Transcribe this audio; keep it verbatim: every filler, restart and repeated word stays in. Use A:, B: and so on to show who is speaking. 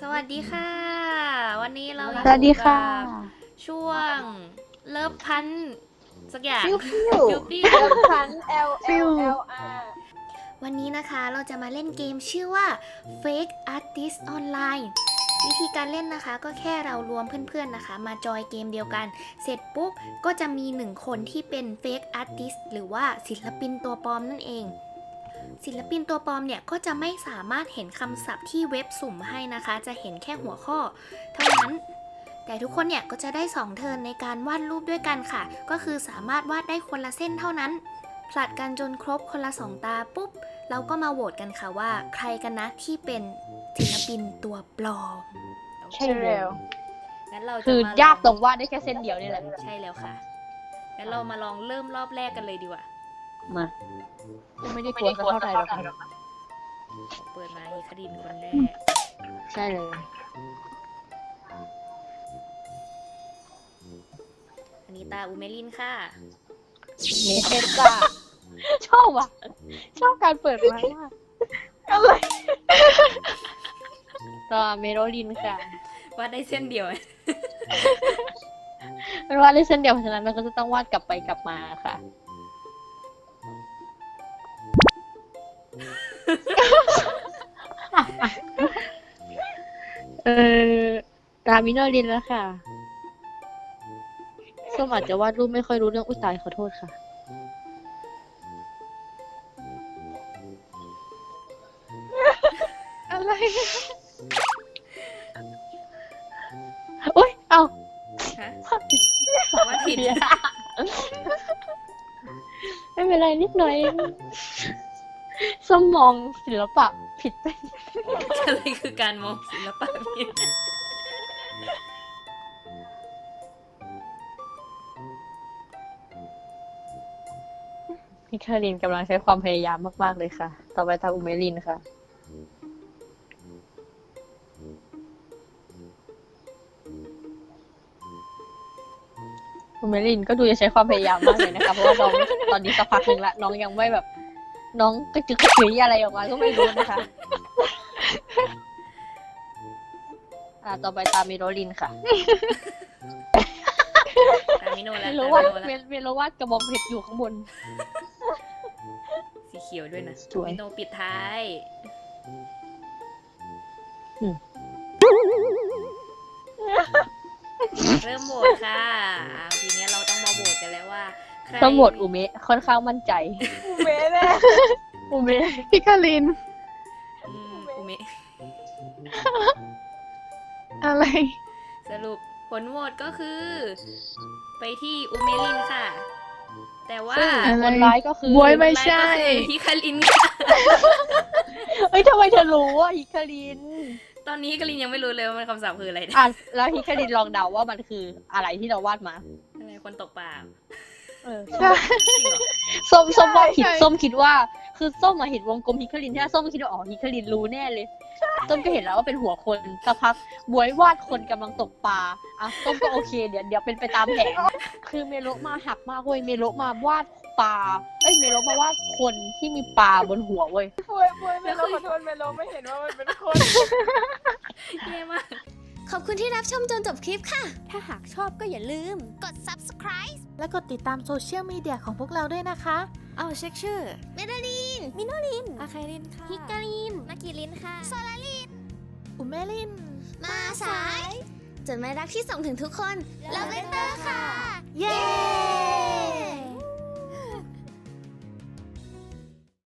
A: วัสดีค่ะ วันนี้เรา
B: สวัสดีค่ะ
A: ช่วงเลิฟพันสักอย่าง
B: ฟิวฟิว
A: ฟิวฟิว
B: เลิฟพัน L L L R
A: วันนี้นะคะเราจะมาเล่นเกมชื่อว่า Fake Artist Online วิธีการเล่นนะคะก็แค่เรารวมเพื่อนๆนะคะมาจอยเกมเดียวกัน เสร็จปุ๊บก็จะมีหนึ่งคนที่เป็น Fake Artist หรือว่าศิลปินตัวปลอมนั่นเอง ศิลปินตัวปลอมเนี่ยก็จะไม่สามารถเห็นคำศัพท์ที่เว็บสุ่มให้นะคะ จะเห็นแค่หัวข้อเท่านั้น แต่ทุกคนเนี่ยก็จะได้สองเทิร์นในการวาดรูปด้วยกันค่ะ ก็คือสามารถวาดได้คนละเส้นเท่านั้น ผลัดกันจนครบคนละสองตาปุ๊บ เราก็มาโหวตกันค่ะว่าใครกันนะที่เป็นศิลปินตัวปลอม
B: ใช่แล้ว
A: งั้นเราจะ
B: คือ
A: ม
B: ยากตรงวาดได้แค่เส้นเดียวนี่แหละ
A: ใช่แล้วค่ะ งั้นเรามาลองเริ่มรอบแรกกันเลยดีกว่า
B: มาไม่ได้กลัวสักเท่าไหร่หรอกค่ะ
A: เปิดมาฮีคดินคนแรก
B: ใช่เลย
A: อันนี้ตาอูเมลินค่ะ
B: เมเทซ่าชอบว่ะ ชอบการเปิดไม้มากอะไรต่อเมโรลินค่ะ
A: วาดได้เส้นเดียว
B: มันวาดได้เส้นเดียวเพราะฉะนั้นมันก็จะต้องวาดกลับไปกลับมาค่ะ เออตามิโนลินแล้วค่ะส้มอาจจะวาดรูปไม่ค่อยรู้เรื่องอุ้ยตายขอโทษค่ะ อะไรโอ๊ยเอา
A: ฮะวาดผิด
B: ไม่เป็นไรนิดหน่อยส้มมองศิลปะผิดไป
A: อะไรคือการมองศิลปะผิด
B: พี่คารินกำลังใช้ความพยายามมากๆเลยค่ะ ต่อไปทางอุเมลินค่ะ อุเมลินก็ดูจะใช้ความพยายามมากเลยนะคะ เพราะว่าน้องตอนนี้สักพักหนึ่งละน้องยังไม่แบบ น้องกระจึกกระจืออะไรออกมาก็ไม่รู้นะคะ อ่าต่อไปตามเมโรลินค่ะ
A: ตามิโนแล้ว
B: เมโร
A: ตา
B: วาด
A: มิโนแล้ว
B: เมโรวาดกระบองเพชรอยู่ข้างบน
A: สีเขียวด้วยนะ
B: สวย
A: มิโนปิดท้าย
B: อืม
A: เริ่มโหวตค่ะอ่าทีนี้เราต้องมาโหวตกันแล้วว่าใคร
B: ต้องโหวตอุเมะค่อนข้างมั่นใจ
C: อุเมะแน่
B: อุเมะ
C: พี่คาริน
A: อืมอุเมะ
C: อะไร
A: สรุปผลโหวตก็คือ ไปที่อุเมลินค่ะ แต่ว่า
B: ซึ่ง
C: อะไร
B: คนร้ายก็คือ
C: บ๊วยไม่ใช่
A: คนร้ายก็คือฮิคารินค่ะ
B: เอ้ยทำไมเธอรู้ว่าฮิคาริน
A: ตอนนี้ฮิคารินยังไม่รู้เลยว่ามันคำศัพท์คืออะไรนะ
B: อ่ะแล้วฮิคารินลองเดาว่ามันคืออะไรที่เราวาดมา
A: อะไรคนตกปลา
B: เออ
C: ใช่
A: จริงเหรอ
B: ส้มส้มว่าผิด
C: ใช่
B: ส้มคิดว่า คือส้มมาเห็นวงกลมฮิคารินใช่ไหมส้มก็คิดว่าอ๋อฮิคารินรู้แน่เลยส้มก็เห็นแล้วว่าเป็นหัวคนสักพักบวยวาดคนกำลังตกปลาอ่ะส้มก็โอเคเดี๋ยวเดี๋ยวเป็นไปตามแผนคือเมโลมาหักมากเว้ยเมโลมาวาดปลาเอ้ยเมโลมาวาดคนที่มีปลาบนหัวเว้ย
C: บวยบวยเมโลขอโทษเมโลไม่เห็นว่ามันเป็นคน
A: แย่มาก
D: ขอบคุณที่รับชมจนจบคลิปค่ะ ถ้าหากชอบก็อย่าลืม กด subscribe
E: และกดติดตามโซเชียลมีเดียของพวกเราด้วยนะคะ
A: เอาเช็คชื่อ
D: เมดาลิน มิโนลิน
A: อาคารินค่ะ
D: ฮิกาลินนากิลินค่ะ โซลาลิน
E: อุเมลิน
D: มาสาย จดหมายรักที่ส่งถึงทุกคน ลาเวนเตอร์